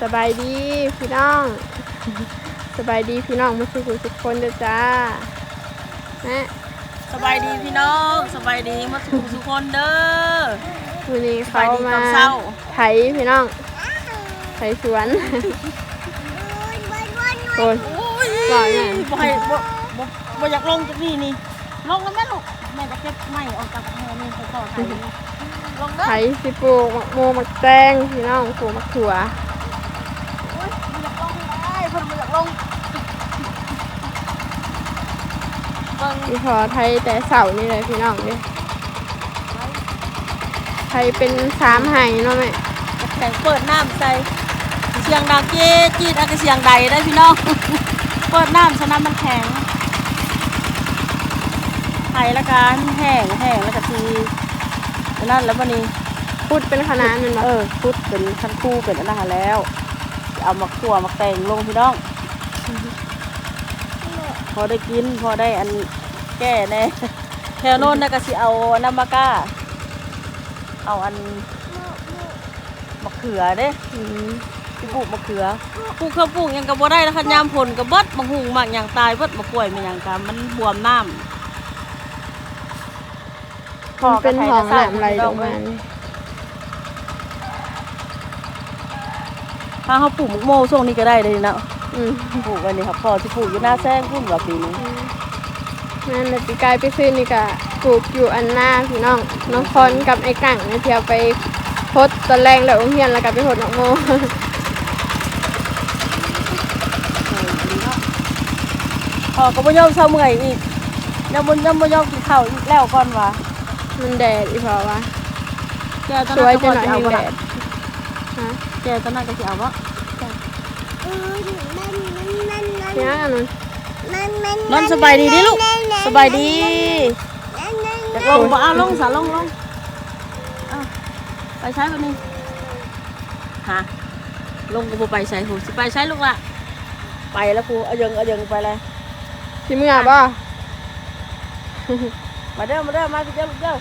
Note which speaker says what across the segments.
Speaker 1: สบายดีพี่น้องสบายดีพี่น้องมาสู่ทุกคนเด้อจ้านะ
Speaker 2: สบายดีพี่น้องสบายดีมาสู่ทุกคนเด้อ
Speaker 1: วันนี้เขามาไถพี่น้องไถสวนคนก่อนเนี่ย
Speaker 2: บ่อยากลงจากนี่นี่ลงแล้วแม่ลูกแม่จะเก็บไม้ออกจากหัวนี่ไปต่อไถลงเด้อ
Speaker 1: ไถสิปลูกมะม่วงมะแตงพี่น้องปลูกมะถั่ว
Speaker 2: บ่อยากลงได้เพิ่นบ่อยากลง
Speaker 1: พี่พอไทยแต่เสานี่เลยพี่น้องดิไทยเป็น3ไหเนาะแม่
Speaker 2: แข่งเปิดน้ำใส่เสียงดังเจ๊จีดเสียงใดได้พี่น้องเปิดน้ำฉะนั้นมันแข็งไถละกันแห้งแล้วก็ทีนั่นแล้ววันนี้
Speaker 1: พุดเป็นคณะมัน
Speaker 2: พุดเป็นขั้นคู่เป็นอันนั้นแล้วเอามาขั่วมาแต่งลงพี่น้องพอได้กินพอได้อันแก่แน่แถวโน้นนะก็สิเอาน้ำมะก้าเอาอันมะเขือเด้ปลูกมะเขือปลูกข้าวปลูกยังกับบ่ได้แล้วคันยามผลกับเบิดมะฮุงมากอย่างตายเบิดมะกล้วยมันอย่างกันมันบวมน้ำ
Speaker 1: เป็นหองหนามไหลลงมา
Speaker 2: ถ้าเขาปลูกมะโม่ช่วงนี้ก็ได้เลยนะปลูกวันนี้ครับพอที่ปลูกอยู่หน้าแซงพุ่นกว่าปีนี้
Speaker 1: นั่นเลยปีกายไปซื้อนี่ก็ปลูกอยู่อันหน้าพี่น้องคอนกับไอ้กั่งเนี่ยเที่ยวไปพดตอนแรงแล้วโรงเรียนแล้วก็ไปพดมะโม่
Speaker 2: พอก็บ่ยอมเศร้าเมื่อยอีกยังบ่ยอมกินข้าวอีกแล้วก่อนวะ
Speaker 1: มันแดดอีพอวะ
Speaker 2: สวยจะหน่อยแดดแกตอนนั้นก็สิเอาวะ
Speaker 1: เนี่ย
Speaker 2: นอนสบายดีดิลูกสบายดีจะลงบ่ลงสาลงไปใช้วันนี้ฮะลงก็บ่ไปใช้หูสิไปใช้ลูกละไปแล้วครูเอายังไปเลย
Speaker 1: ที่เมื่อบ่
Speaker 2: มาเด้อมาพี่เจ้าลูกเด้อ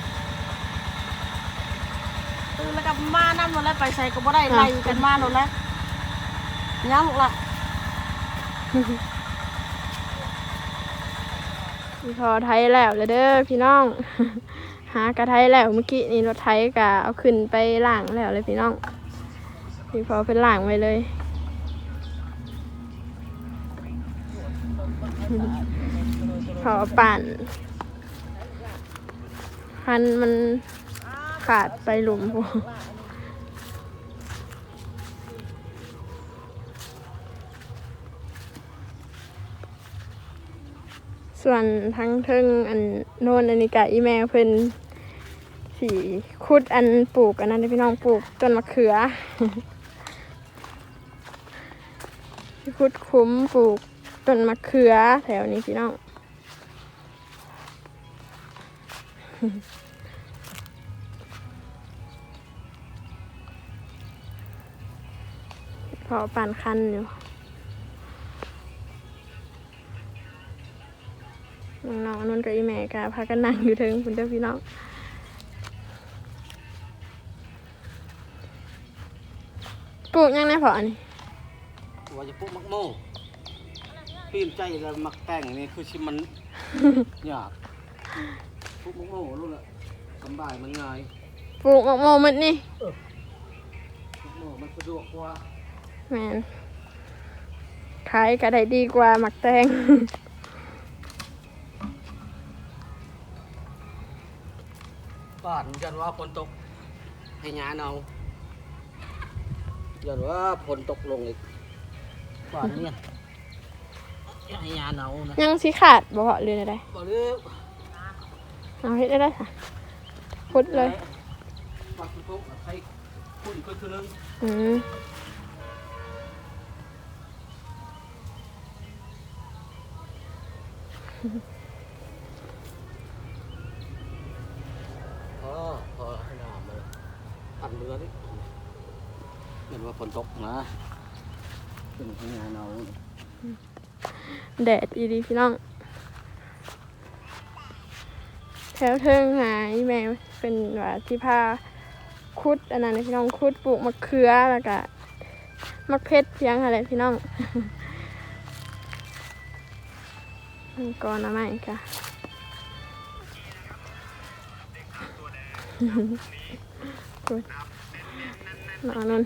Speaker 2: ตื่นแล้วก็มานั่นหมดแล้วไปใช้ก็บ่ได้ไล่กันมาหมดแล้วย้ำลูกละ
Speaker 1: พอไทยแล้วเด้อพี่น้องหากระไทยแล้วเมื่อกี้นี่รถไทยกะเอาขึ้นไปล่างแล้วเลยพี่น้องพี่พอเป็นล่างไว้เลยพอปั่นคันมันขาดไปหลุมพวกส่วนทั้งเทิงอันโน่นอันนี้กะอีแม่เพิ่นสีคุดอันปลูกอันนั้นพี่น้องปลูกต้นมะเขือคุดคุ้มปลูกต้นมะเขือแถวนี้พี่น้องพอปั่นคันอยู่น้องๆนุ่นกับอีแม่กะพากันนั่งอยู่เทิงคุณเจ้าพี่น้องปลูกยังไงพออันนี้
Speaker 3: ว่าจะปลูกมักโม่ปีนใจแล้วมักแต่งนี่คือชิมันยากปลูกมักโม่รู้ละสบายมันง่าย
Speaker 1: ปลูกมักโม่มันนี่
Speaker 3: มักโม่มันสะดวกกว่า
Speaker 1: แมนขายก็ได้ดีกว่ามักแตง
Speaker 3: บ้านยันว่าฝนตกให้หญ้าเน่ายันว่าฝนตกลงอีกบ้านเนี่ยให้หญ้าเน่านะ
Speaker 1: ยังสิขาดบ่พอเลยได้
Speaker 3: บ่เลือ
Speaker 1: เอาเฮ็ดได้ค่ะพุดเลย
Speaker 3: ปักปุ๊บใช้คุณก็คือนึงพอให้น้ำเลยปั่นเรือดิเห็นว่าฝนตกนะเป็นทางานเอา
Speaker 1: แดดดีพี่น้องแถวเทิงหายแม่เป็นว่าที่พาคุดอันนั้นพี่น้องคุดปลูกมะเขือแล้วก็มักเพชรเพียงอะไรพี่น้อง ก่อนนะไม่ค่ะนอนนั่น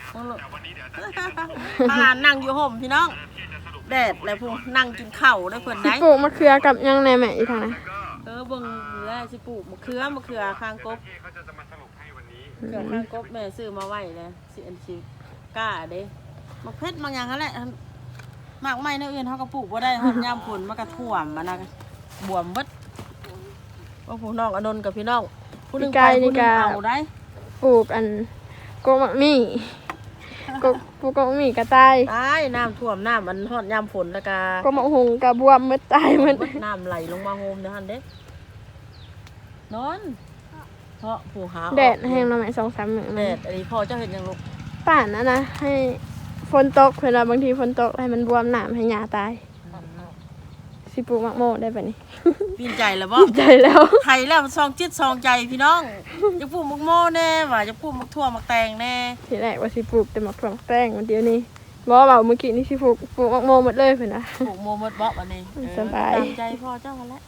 Speaker 2: พานั่งอยู่ห่มพี่น้องแดดแล้วพวกนั่งกินข้าวได้เพิ่น
Speaker 1: สิ
Speaker 2: ได้
Speaker 1: ปลูกมะเขือกับยังในแม่อีกทางนะ
Speaker 2: เบิ่งแลสิปลูกมะเขือข้างกบเขือข้างกบแม่ซื้อมาไว้แล้วสิอันสิกล้าเด้มักเพชรบางอย่างนั่นแหละมากไม้ในอื่นเฮาก็ปลูกบ่ได้ฮอดยามฝนมันก็ท่วมมันน่ะบวมเบิดว่าผู้น้องอนนท์กับพี่น้องผู้หนึงไปผู้หนึงเอาได้
Speaker 1: ปลูกอันโกมักมี่ปลูกโกมักมี่กระต่าย
Speaker 2: ตายน้ำท่วมน้ำมันฮอดยามฝนแล้วก็
Speaker 1: โกมักหงกระบวมมืดตายมัน
Speaker 2: น้ำไหลลงมาโฮมเด้อหั่นเด้นอนเพราะผู้หา
Speaker 1: แดดแห้งแล้วไหม2-3 มื้อ
Speaker 2: แดดอันนี้พ่อเจ้าเห็นยังลูก
Speaker 1: ป่านนะให้ฝนตกเวลาบางทีฝนตกให้มันบวมน้ำให้หญ้าตายสิปลูกมักโมได้ปะนี่
Speaker 2: ปีนใจแล้วบ่
Speaker 1: ใจแล้ว
Speaker 2: ไทยแล้วซองจิตซองใจพี่น้องจะปลูกมักโม่แน่ว่าจะปลูกมักทั่วมักแตงแน่
Speaker 1: ทีแรกว่าสิปลูกแต่มักถั่วมักแป้งวันเดียวนี้บอกว่าเมื่อกี้นี่สิปลูกมักโมหมดเลยเพิ่นนะ
Speaker 2: ปลูกโมหมดบ่อันนี้
Speaker 1: สบาย
Speaker 2: ตามใจพ่อเจ้ากันแล้ว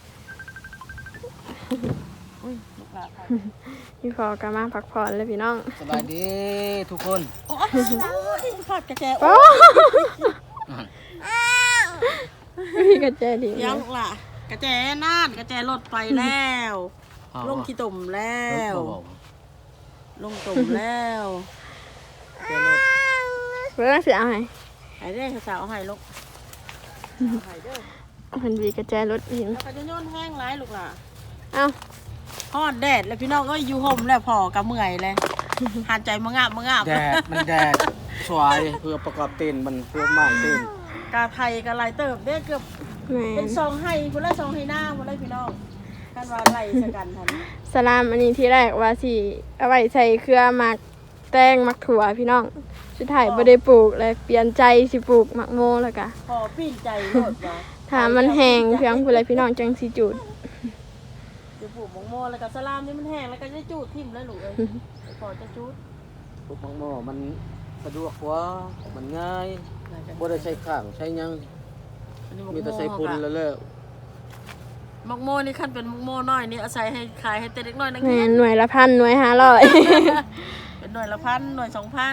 Speaker 2: อุ้ยลูกหลานไป
Speaker 1: พี่พอกมาพักผ่อนเลยพี่น้อง
Speaker 3: สบายดีทุกคน
Speaker 2: โอ้ยพอดกระแจ
Speaker 1: โอ้พี่กระแจดี
Speaker 2: ยังลูกหล่ะกระแจน่านกระแจรถไปแล้วลงขี้ตุ่มแล้วลงตุ่มแล้วเดี๋ยวลูก
Speaker 1: เพื่อนสิเอาให้
Speaker 2: ไอ้เด้สาวเอาให้ลูกเอาให้เด้อ
Speaker 1: มันมีกระแจรถหิน
Speaker 2: แล้วก็จะโยนแห้งหลายลูกหล่ะ
Speaker 1: เอ้า
Speaker 2: ฮอดแดดแล้วพี่น้องก็อยู่ห่มแล้วพอกับเมื่อยเลยหันใจมะงาบ
Speaker 3: แดดมันแดดสวยเพื่อประกอบเต้นมันเพื่อไม้เต้น
Speaker 2: กาไทยกาลายเติบเด้เกือบ
Speaker 1: แม่
Speaker 2: เป็นซองให้คนละซองให้หน้าคนละพี่น้องกันว่าไล่สกันทัน
Speaker 1: สลามอันนี้ที่แรกว่าสิเอาไว้ใส่เครือหมักแตงหมักถั่วพี่น้องสุดท้ายบ่ได้ปลูกเลยเปลี่ยนใจสิปลูกหมักโมแล้วก็
Speaker 2: พอปีนใจโลดว่า
Speaker 1: ถ้ามันแห้งเพียงผู้ใดพี่น้องจังสิจุด
Speaker 2: จะปลูกมงโมแล้วก็สลามนี่มันแห้งแล้วก็จะจูดทิ่มแล้วลูกเอ้ยพอจะจูด
Speaker 3: พวกมังโมมันสะดวกกว่ามันง่ายบ่ได้ใช้ข้างใช้หยังมีแต่ใช้ปุ่นแล้วเลิก
Speaker 2: มักโมนี่ขั้นเป็นมักโมน้อยนี่อาศัยให้ขายให้แต่เด็กน้อยนัก
Speaker 1: แม่
Speaker 2: เรียน
Speaker 1: หน่วยละ1,000หน่วย
Speaker 2: เป็นหน่วยละ1,000หน่วย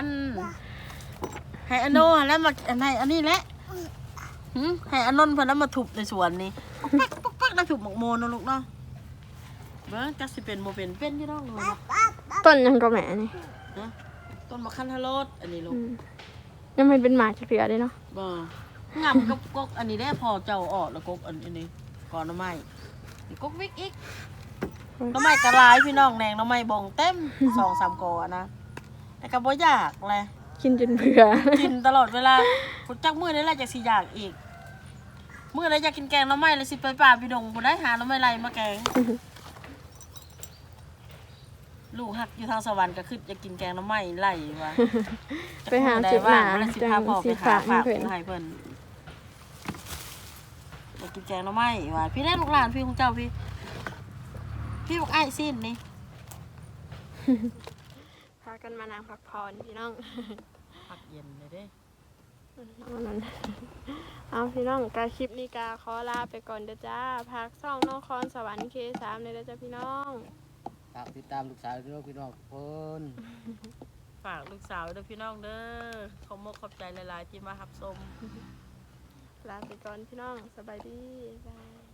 Speaker 2: 2,000ให้อโนแล้วมาอันไหนอันนี้แหละให้อนนท์เพิ่นแล้วมาทุบในสวนนี่ปักแล้วทุบหมกโมนเนาะลูกเนาะเบิ่งจักสิเป็นบ่เป็นอยู่ดอกเลย
Speaker 1: 5ต้นยังก็แม่นี่
Speaker 2: นะต้นมะขันทะโลดอันนี้ลูก
Speaker 1: ยังไม่เป็นหมากจะเกลือเลยเนาะ
Speaker 2: บ่งํกับกกอันนี้ได้พอเจ้าออกแล้วกกอันนี้ก่อนหน่อไม้นี่กกวิกอีกหน่อไม้กระลายพี่น้องแหนงหน่อไม้บงเต็ม 2-3 กอนะแต่ก็บ่อยากแหละ
Speaker 1: กินจนเบื่อ
Speaker 2: กินตลอดเวลาพุจักมื้อนี้แหละจักสิอยากอีกมื้อใดอยากกินแกงหน่อไม้แล้วสิไปป่าพี่ดงบ่ได้หาหน่อไม้ไล่มาแกงลูกหักอยู่ทางสวรรค์ก็คืออยากกินแกงหน่อไม้ไล่ว่า
Speaker 1: ไปหาจุดหมา
Speaker 2: แล้วสิ
Speaker 1: จั
Speaker 2: พาง พ่อ
Speaker 1: สิ
Speaker 2: ไปหา
Speaker 1: ฝาก
Speaker 2: ฝาก
Speaker 1: เพิ่น
Speaker 2: ให้เพิ่นอยากกินแกงหน่อไม้ว่าพี่ได้ลูกหลานพี่ของเจ้าพี่บอกไอ้สิ้นนี่
Speaker 1: พากันมานางพักผ่อนพี่น้อง
Speaker 2: ผักเย็นเลยเด้
Speaker 1: เอาพี่น้องกาคลิปนี้กาขอลาไปก่อนเด้อจ้าพักซ่องนครสวรรค์K3เลยเด้อจ้าพี่น้อง
Speaker 3: ฝากติดตามลูกสาวด้วยพี่น้องทุกคน
Speaker 2: ฝากลูกสาวด้วยพี่น้องเด้อขอบมกขอบใจหลายๆที่มารับชม
Speaker 1: ลาไปก่อนพี่น้องสบายดีบ๊ายบาย